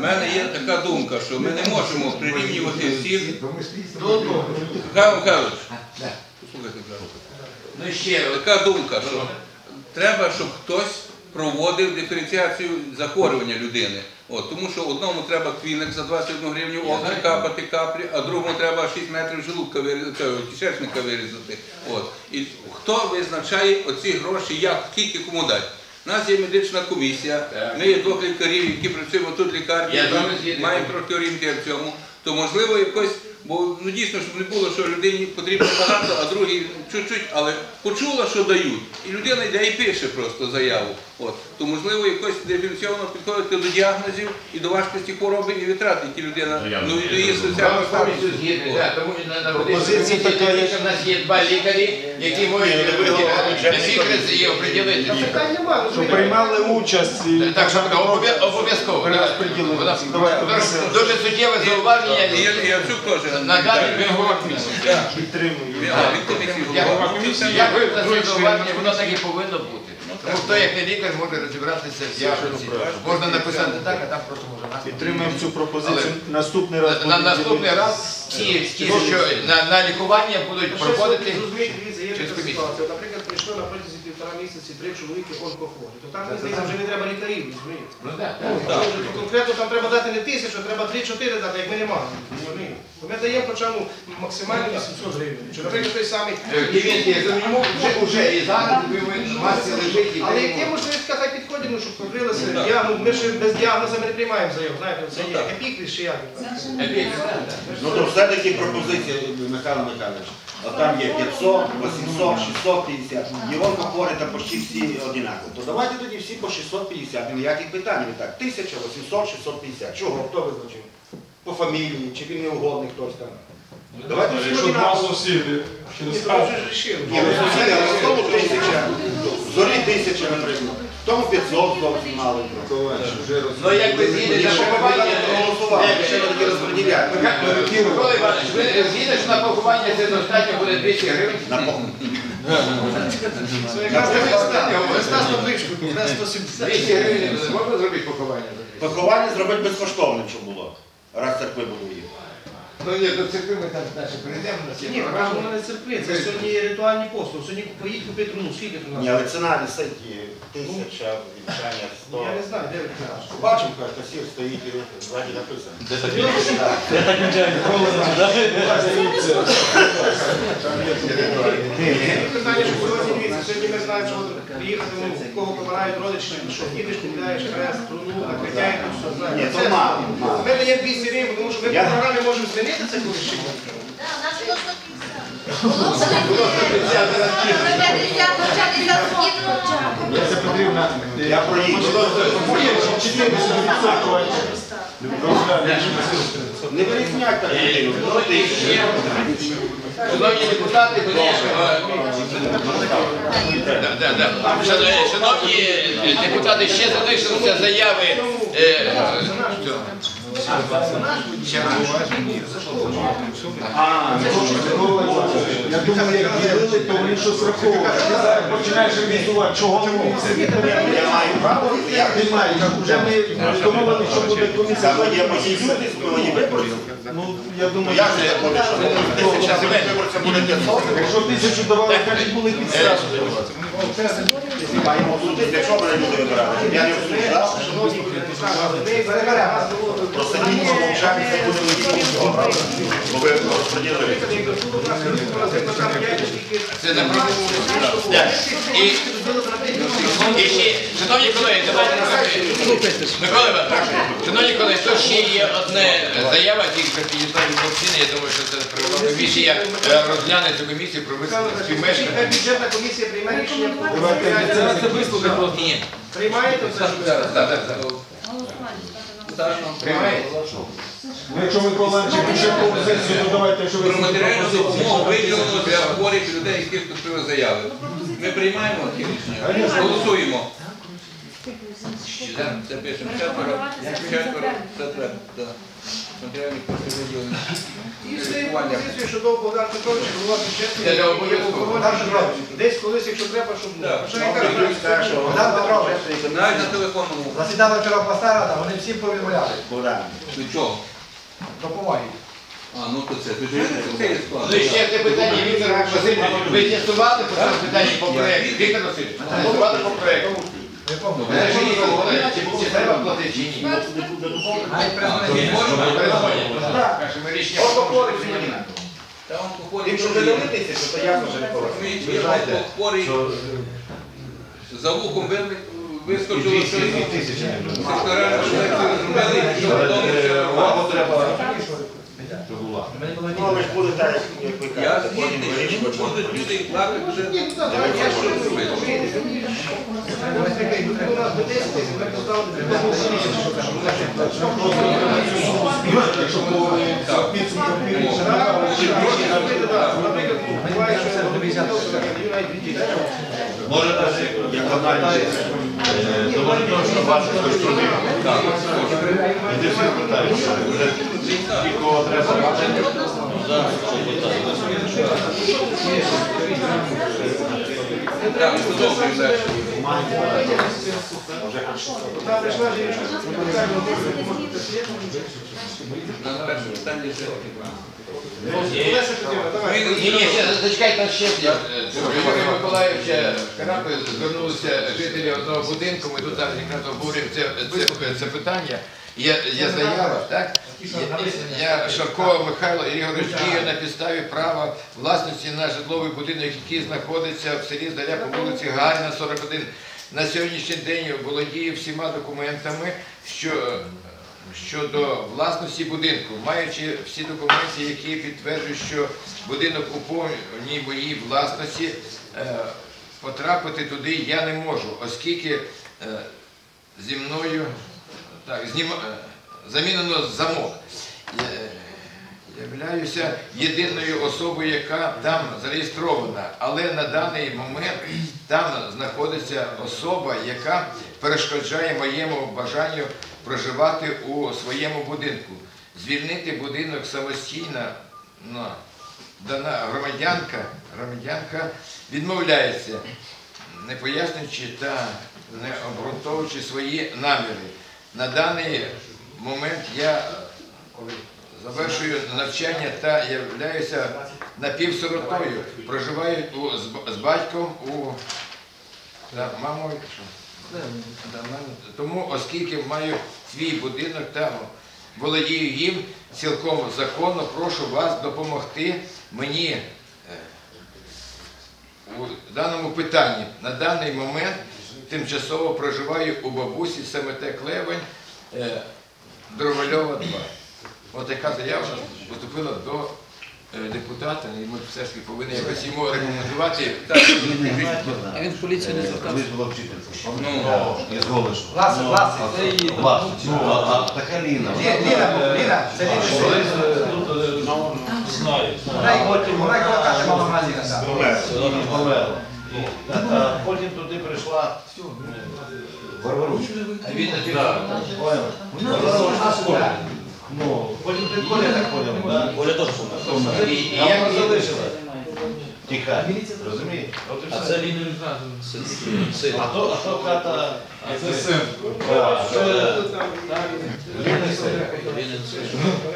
мене є така думка, що ми не можемо прирівнювати всіх. Михайло Михайлович, послухайте, така думка, що треба, щоб хтось проводив диференціацію захворювання людини. Тому що одному треба квіник за 21 гривню оки капати каплі, а другому треба 6 метрів желудка кишечника вирізати. І хто визначає оці гроші, як, скільки кому дати? У нас є медична комісія, ми є 2 лікарів, які працюємо тут в лікарні, маємо трохи орієнтир в цьому, то можливо якось, бо дійсно, щоб не було, що людині потрібно багато, а другій чуть-чуть, але почула, що дають, і людина йде і пише просто заяву. То можливо якось диференційовано підходити до діагнозів і до важкості хвороби і витрат, які людина, до її соціального статусу. Тому на позиції у нас є 2 лікарі, які можуть і оприділити. Щоб приймали участь. Так, що обов'язково. Дуже суттєве зауваження. Яцюк теж. Надати голова комісії. Підтримую. Як ви за це зауваження, воно так і повинно бути. Тому хто, як не лікар, може розібратися в діагнозі. Можна написати так, а там просто може нас. Підтримуємо цю пропозицію. Наступний раз. Наступний раз ті, що на лікування будуть проходити через комісію. Наприклад, прийшло на протязі 1,5 місяці 3 чоловіки онкохворі. То там, здається, вже не треба лікарів, розумієте? Конкретно там треба дати не 1000, а треба 3-4 дати, як ми не маємо. Ми даємо хоча б максимально 800 гривень. Наприклад, той самий... Йому вже і зараз в масці лежить. Але які можливість хай підходимо, щоб покрилися? Ми ж без діагнозу не приймаємо заяву, знаєте, це є епікріс чи як? Ну то все-таки пропозиція, Михайло Михайлович. Там є 500, 800, 650. І онкохворі там почти всі однакові. То давайте тоді всі по 650. Ніяких питань не так. 1000, 800, 650. Чого? Хто визначив? По фамілії, чи він не угодний хтось там. Давайте всі Якщо 2 сусіди, ще не скажуть. Ні, сусіди, але в тому 1000. В Зорі 1000, наприклад. В тому 500 зовсім мало. Ну як ви згідні на поховання, ще не такі розподіляють. Микола Іванович, ви згідні, що на поховання це достатньо буде 200 гривень? На поховання. Листа 170. 200 гривень можна зробити поховання? Поховання зробити безкоштовним, щоб було. Раз церкви будують. Ну ні, до церкви ми там наші прийдемо. Ні, ми кажемо не церкви, це сьогодні є ритуальні послуги. Сьогодні поїдь купити труну, скільки труна? Ні, але ціна висить 1000, вінчання 100. Я не знаю, де ви кажете. Бачимо, як касір стоїть і ззаді написано. Я так нічого ніколи не Питання, що сьогодні дивіться, сьогодні ми знаємо, що приїхати, у кого помирають родичі, що їдеш, купляєш хрест, труну, накриття і все знаємо. Ні, то мало. Ми даємо 200 гривень, тому що ми по програмі можемо змінити це колись чи ні. Це потрібно. Я проїду. Не вирізняйте так людину. Шановні депутати, шановні депутати, ще залишилися заяви. Я думаю, як ділили, то вони щось раховували. Ти зараз починаєш ревізувати, чого не Я маю право. немає. Вже ми домовилися, що буде комісія. Саме є мої люди, мої виборці. Ну, я думаю, Як це буде, що 1000 виборця буде 500? якщо 1000 давали, кажуть, були підстави. Маємо тут, для чого мене люди вибирали? Я не обсуждав. Просто ні, мовчання це буде нічого, правда? Бо ви розподілили. Це на правову. І ще, шановні колеги, давайте Микола Іванович, шановні колеги, то ще є одне заява, тільки підійшла від Костіни, я думаю, що це правова комісія розгляне цю комісію про співмешкання. Бюджетна комісія приймає рішення. Це вислухати просто. Приймаєте все? Приймаєте? Якщо Микола Іванович пише пропозицію, то давайте, що ви Про матеріальну допомогу виділено для хворих людей, які вступили заяви. Ми приймаємо ці рішення, голосуємо. Це пишемо 4, це треба. матеріальні кошти виділені. І з цією пропозицією, що до Богдан Петрович, голова Це бюджету, обов'язково. десь колись, якщо треба, щоб було. Так. Що я кажу, Богдан Петрович, Навіть на телефонному. засідала вчора обласна рада, вони всім повідомляли. Богдан. До чого? Допомоги. А, ну то це є склад. Ну і ще це питання, Віктор Васильович, ви з'ясували по цьому питанні по проєкту? Віктор Васильович, з'ясували по проєкту? Не пам'ятаю. Ви ж її говорили, чи треба платити, чи ні? Навіть призначення. Каже, ми рішення прийняли. Та он походить. Якщо ви дивитеся, то ясно, що не Розумієте, є хворий, за вухом вискочило щось. Секторальну лекцію зробили, що вдома все нормально. Ну, але ж буде так, як ви Я кажете, потім згідний, вирішимо. що будуть люди і плакати вже. я що зробити? У нас до 10 тисяч, ми поставили Якщо по підсумкам наприклад, буває, що Може навіть як аналіз доволі бачити хтось трудив. І ти всіх питаєш, вже кого треба бачити. Так, продовжуємо далі. Вона прийшла жінка, На перше питання ще. Олеся Петрівна, давай. Ні, ще зачекайте, там ще є. Юрія Миколаївича Карапи звернулися жителі одного будинку, ми тут зараз якраз обговорюємо це питання. Є заява, так? Я Шаркова Михайло Ігорович діє на підставі права власності на житловий будинок, який знаходиться в селі Здаля по вулиці Гагаріна, 41. На сьогоднішній день володіє всіма документами, щодо власності будинку, маючи всі документи, які підтверджують, що будинок у повній моїй власності, потрапити туди я не можу, оскільки зі мною замінено замок. Являюся єдиною особою, яка там зареєстрована, але на даний момент там знаходиться особа, яка перешкоджає моєму бажанню проживати у своєму будинку. Звільнити будинок самостійно дана громадянка відмовляється, не пояснюючи та не обґрунтовуючи свої наміри. На даний момент я завершую навчання та являюся напівсиротою. Проживаю з батьком та мамою. Тому, оскільки маю свій будинок та володію їм цілком законно, прошу вас допомогти мені у даному питанні. На даний момент тимчасово проживаю у бабусі СМТ Клевень, Дровольова 2. Ось така заява поступила до депутата, і ми все ж таки повинні якось йому рекомендувати. А він в поліцію не звертався. Колись була вчителька. Ну, Із Голишу. Власне. А така Ліна. Ліна, це Ліна. Вона й каже, мама Мазіна. Померла. А потім туди прийшла Варваруч. Він Ну, потім ти Коля так поняв. Коля теж помер. І А як вона її- залишила. Тіха. Розумієш? А це Ліна син. А то ката... Це син. Ліна син.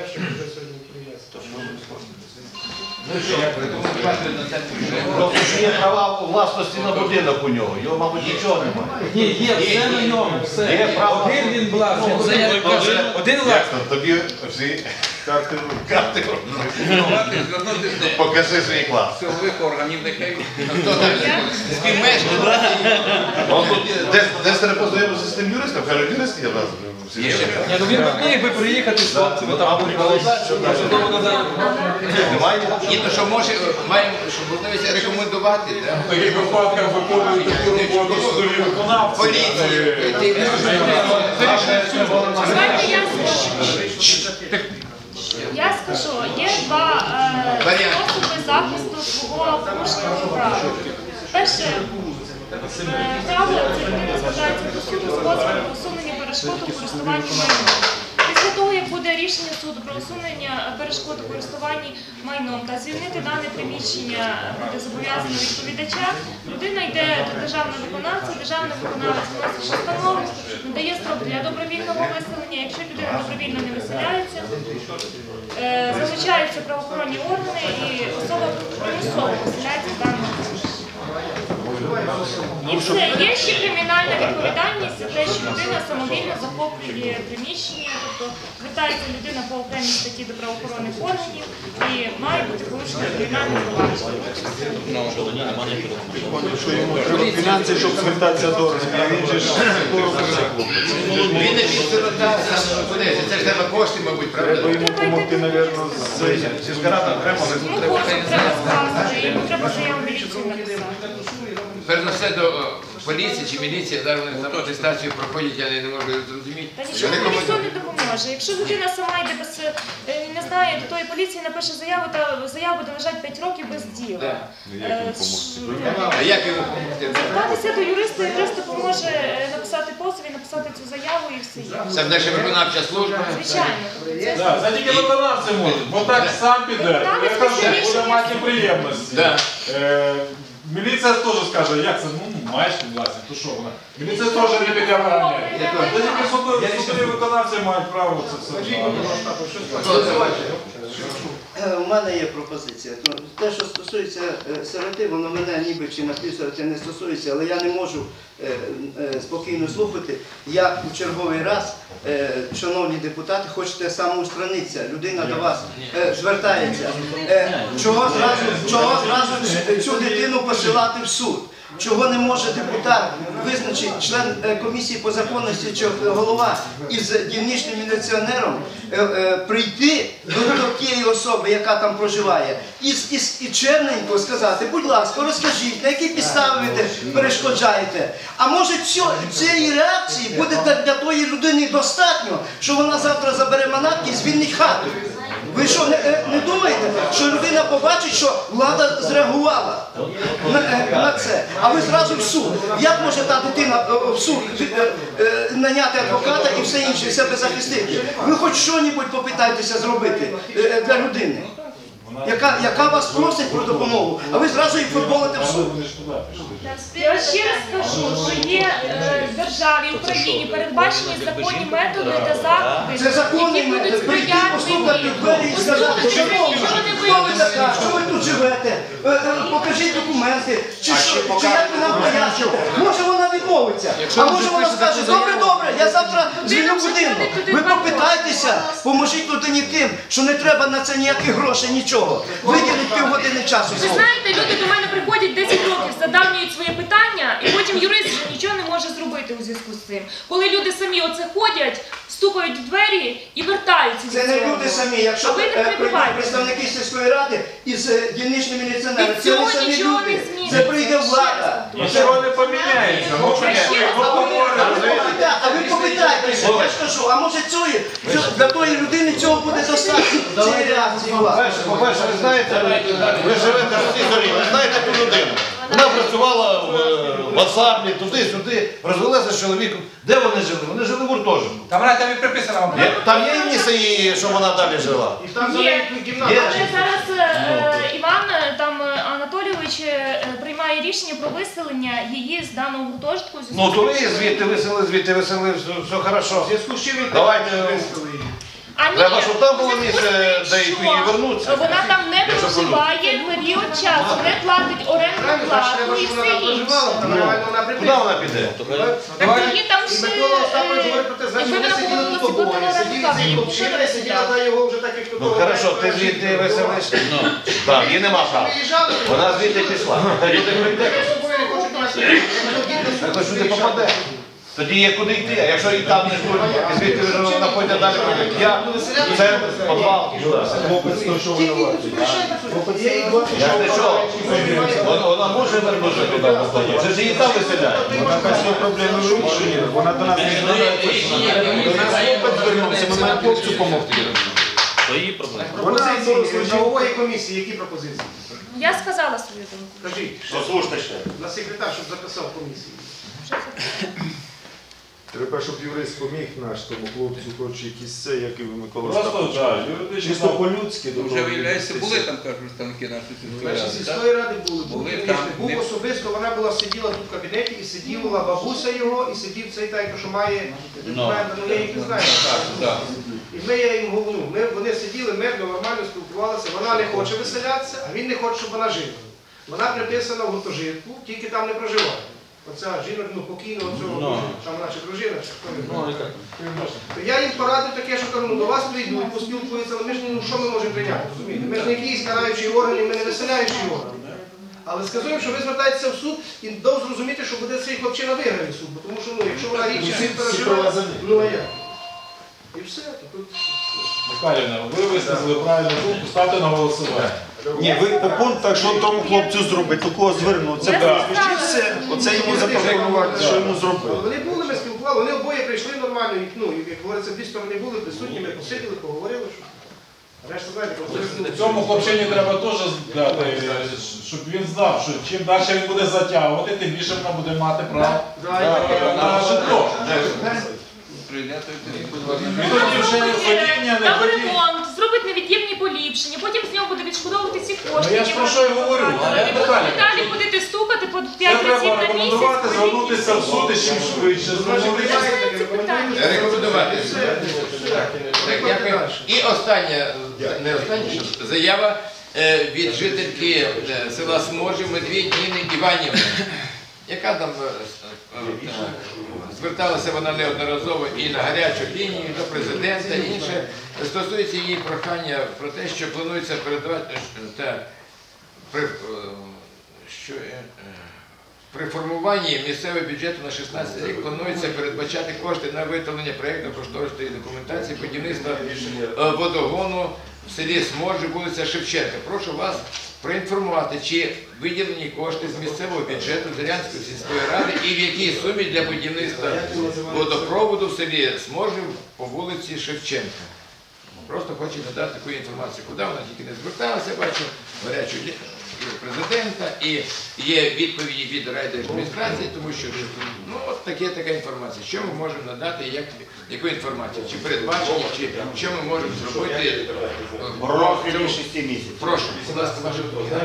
Ну що, рекомендувати на це Просто ж є права власності на будинок у нього. Його, мабуть, нічого немає. Ні, є, все на ньому, все. Є право. Один він власник, один власник. Тобі всі карти звернутися до покажи свій клас. силових органів, нехай. Хто там? Співмешканець? Десь треба познайомитися з тим юристом, каже, юрист є в нас. Є. Ні, ну він міг би приїхати з хлопцями, там судово надали. Немає? Ні, то що може, маємо можливість рекомендувати, так? В таких випадках виконують таку роботу судові виконавці. Поліцію. Я скажу, є два способи захисту свого порушеного права. Перше право це людина звертається до суду з позовом на усунення перешкод у користуванні майном. Після того, як буде рішення суду про усунення перешкод у користуванні майном та звільнити дане приміщення буде зобов'язано відповідача, людина йде до державного виконавця, державний виконавець вносить постанову, надає строк для добровільного виселення. Якщо людина добровільно не виселяється, залучаються правоохоронні органи і особа примусово виселяється з даного приміщення. І все. Є ще кримінальна відповідальність за те, що людина самовільно захоплює приміщення, тобто звертається людина по окремій статті до правоохоронних органів і має бути порушено кримінальне провадження. Що йому треба фінанси, щоб звертатися до органів, а він же ж Він не підсиротався, це ж треба кошти, мабуть, правда? треба йому допомогти, мабуть, зі згорати окремо. Ну, кожен треба скласти, йому треба заяву міліцію написати. Перш за все до поліції чи міліції, зараз вони там атестацію проходять, я не можу зрозуміти. Та нічого ніхто не допоможе. Якщо людина сама йде без, не знає, до тої поліції напише заяву, та заява буде лежати 5 років без діла. А як йому допомогти? Звертатися до юриста, юрист допоможе написати позов і написати цю заяву і все є. Це наша виконавча служба. Звичайно. Да, це тільки виконавці можуть, бо так сам піде. Я кажу, буде мати неприємності. Да. Міліція теж скаже, як це, ну, маєш власне, то що вона? Міліція теж не піде виганяє. Та тільки судові виконавці мають право це все. У мене є пропозиція. Те, що стосується сироти, воно мене ніби чи напівсироти не стосується, але я не можу спокійно слухати, як у черговий раз, шановні депутати, хочете самоустранитися, людина до вас звертається. Чого зразу цю дитину посилати в суд? Чого не може депутат, визначити член комісії по законності чи голова із дільничним міліціонером прийти до тієї особи, яка там проживає, і чемненько сказати, будь ласка, розкажіть, на які підстави ви перешкоджаєте. А може цієї реакції буде для тої людини достатньо, що вона завтра забере манатки і звільнить хату? Ви що, не думаєте, що людина побачить, що влада зреагувала на це? А ви зразу в суд. Як може та дитина в суд наняти адвоката і все інше, себе захистити? Ви хоч що-небудь попитайтеся зробити для людини, яка вас просить про допомогу, а ви зразу їх футболите в суд. Я ще раз скажу, що є в державі, в Україні передбачені законні методи та заходи, Це законний які будуть метод. Прийти, постукати сприятливі. в двері і сказати, Послухайте, що ви нічого не хто ви така, вирішите. що ви тут живете, покажіть документи, чи як ви нам поясните. Може вона відмовиться, а може вона скаже, добре, я завтра звільню будинок. Ви попитайтеся, поможіть людині тим, що не треба на це ніяких грошей, нічого. Виділіть півгодини часу. Ви знаєте, люди до мене приходять 10 років, задавнюють своє питання, і потім юрист вже нічого не може зробити у зв'язку з цим. Коли люди самі оце ходять, стукають в двері і вертаються. Це не люди самі, якщо прийдуть представники сільської ради із дільничним міліціонером, це не самі люди, це прийде влада. Нічого не поміняється. А ви попитайтеся, я ж кажу, а може для тої людини цього буде достатньо, цієї реакції влади. По-перше, ви знаєте, ви живете в цій зорі, ви знаєте ту людину. Вона працювала в Асаблі, туди-сюди, розвелася з чоловіком. Де вони жили? Вони жили в гуртожитку. Там і приписано вам. Там є місце, щоб вона далі жила? І там за Є. кімната. Але зараз Іван там Анатолійович приймає рішення про виселення її з даного гуртожитку. Ну, то ви звідти висели, все хорошо. В зв'язку з чим він Давайте. виставили її? А ні, Треба, щоб там було у зв'язку місце, з тим, де що її вернуться. Вона там не проживає період часу, не платить орендну плату і все інше. Куди вона піде? Так її там І ще... Микола Остапович говорить про те, значить Якби вони вона сиділи була тут обоє, на сиділи руках, цей її хлопчина ніхто і не сиділа розглядав. та його вже так, як Ну, хорошо, ти звідти веселиш? Так, її нема права. Вона звідти пішла. Тоді ти прийде. Якось сюди попаде. Тоді є куди йти, а якщо і там не буде, і звідти вона пойде далі, я, це підвал. Я ж не що, вона може вернутися туди, це ж її там виселяють. Вона без проблеми вирішує, вона до нас не звертається. До нас хлопець звернувся, ми маємо хлопцю допомогти. Пропозиції правової комісії, які пропозиції? Я сказала свою думку. Кажіть, Послухайте ще. на секретар, щоб записав комісію. Треба, щоб юрист поміг наш тому хлопцю, хоч якісь це, як і Микола Просто, Остапович. так, юридично. Чисто по-людськи. до Вже того виявляється, віднестися. були там, кажуть, представники нашої сільської Наші ради, так? сільської ради були, Були були, там, був не- особисто, вона була сиділа тут в кабінеті і сиділа бабуся його, і сидів цей тайко, що має документи, ну я їх не знаю. Так. І я їм говорю, вони сиділи мирно, нормально спілкувалися, вона не хоче виселятися, а він не хоче, щоб вона жила. Вона приписана в гуртожитку, тільки там не проживає. Оця жінка, покійного цього, там наче дружина, чи хто не знає. То я їм порадив таке, що кажу, до вас прийдуть, поспілкуються, але ми ж що ми можемо прийняти, розумієте? Ми ж не якісь караючі органи, ми не виселяючі органи. Але сказуємо, що ви звертаєтеся в суд і дав зрозуміти, що буде цей хлопчина виграє суд, бо тому що якщо вона річ не переживає, ну а як? І все, то тут... Михайлівна, ви висказали правильну думку, ставте на голосування. Ні, ви по пунктах, що тому хлопцю зробить, до кого звернутися, прізвище, і все. Оце йому запропонувати, що йому зробити. Вони були, ми спілкували, вони обоє прийшли нормально, і, ну, як говориться, дві сторони були присутні, ми посиділи, поговорили, що... Решта, знаєте, Цьому хлопчині треба теж дати, щоб він знав, що чим далі він буде затягувати, тим більше вона буде мати право на житло. Прийняти І тоді вже не ходіння, не Там ходіння. ремонт, зробить невід'ємні поліпшення, потім з нього буде відшкодовувати ці кошти. Ну, я ж про що й говорю, але Ви Наталя, далі будете стукати по Це 5 разів треба на рекомендувати, місяць. звернутися в суд і чим швидше. Рекомендувати. Так, дякую. І остання, не остання, що заява від жительки села Смотрів Медвідь Ніни Іванівни, яка там зверталася вона неодноразово і на гарячу лінію, до президента, і інше. Стосується її прохання про те, що планується передавати при формуванні місцевого бюджету на 16 рік планується передбачати кошти на виготовлення проєктно-кошторисної документації будівництва водогону в селі Сморжі, вулиця Шевченка. Прошу вас проінформувати, чи виділені кошти з місцевого бюджету Зорянської сільської ради і в якій сумі для будівництва водопроводу в селі Сморжі по вулиці Шевченка. Просто хочу надати таку інформацію, куди вона тільки не зверталася, бачу гарячу президента, і є відповіді від райдержадміністрації, тому що ну, от така інформація. Що ми можемо надати, яку інформацію? Чи передбачення, чи що ми можемо зробити? В розмірі 6 місяців. Прошу, будь ласка, ваша думка.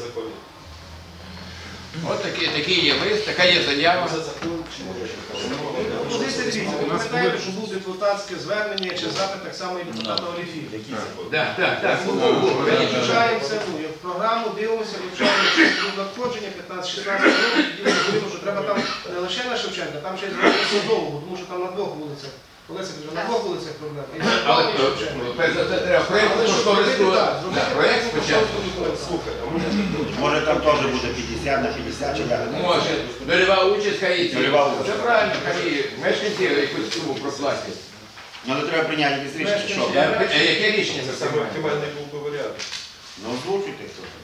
От такий є лист, така є заява. Позиція дивіться, ви пам'ятаєте, що був депутатське звернення чи запит так само і депутата Оліфії. Так. Ми вивчаємо це, в програму дивимося, вивчаємо надходження 15-16 років, і говоримо, що треба там не лише на Шевченка, там ще й зробити Садового, тому що там на двох вулицях. Олеся каже, на двох вулицях проблема. Але це треба проєкт спочатку. Може там теж буде 50 на 50 чи як? Може. Нульова участь хай. Нульова участь. Це правильно, хай мешканці якусь суму проплатять. Ну, але треба прийняти якісь рішення, що? Яке рішення за це? Оптимальний був би варіант. Ну, озвучуйте хто там.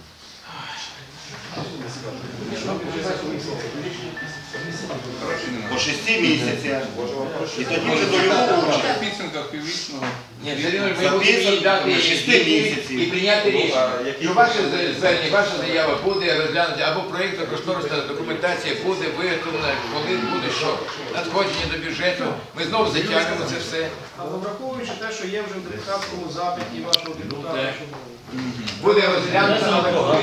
По 6 місяцях. І тоді вже дольову участь. в підсумках піврічного. Ні, все рівно ми будемо їй дати 6 місяців. і прийняти рішення. Що ваше звернення, ваша заява буде розглянута, або проєктно-кошторисна документація буде виготовлена, коли буде що? Надходження до бюджету. Ми знову затягнемо це все. Але враховуючи те, що є вже в депутатському запиті вашого депутата, що Буде розглянуто, але коли?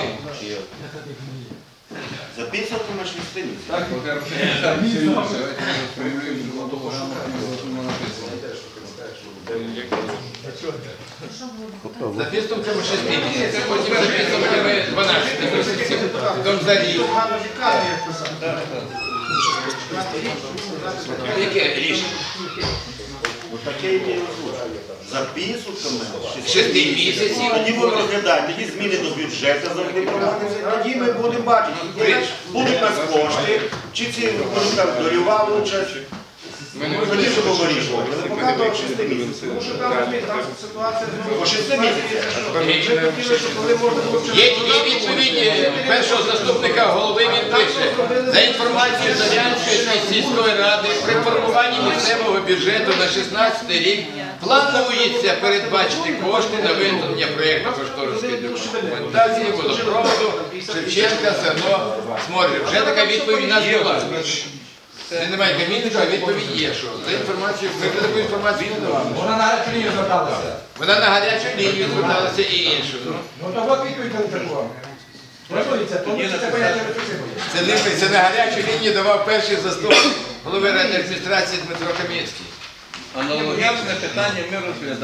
За підсумками 6 місяців. Так, давайте ми сформулюємо того, що сума написана. За підсумками 6 місяців, потім за підсумками 12 місяців, потім за рік. гарно лікарні, як писати. Яке рішення? Таке і озвучує. За підсумками 6 місяців. Тоді будемо розглядати, тоді зміни до бюджету завжди проводяться, тоді ми будемо бачити, будуть у нас кошти, чи ці будуть там дольова участь. Тоді вже будемо вирішувати. Але поки до 6 місяців. Тому що там, розумієте, там ситуація По 6 місяців. Ми хотіли, щоб коли можна було Є відповіді першого заступника голови, він пише, за інформацією Зорянської сільської ради, при формуванні місцевого бюджету на 16 рік планується передбачити кошти на виготовлення проєктно-кошторисної документації водопроводу Шевченка, село Сморжі. Вже така відповідь у нас була. Він немає камінника, а відповідь є, що за інформацію, ми вже таку інформацію не давали. Вона на гарячу лінію зверталася. Вона на гарячу лінію зверталася і іншу. Ну то от відповідь на таку. Планується, це поняття рефлексивує. Це на гарячу лінію давав перший заступник голови райадміністрації Дмитро Кам'янський. Аналогічне питання ми розглядаємо.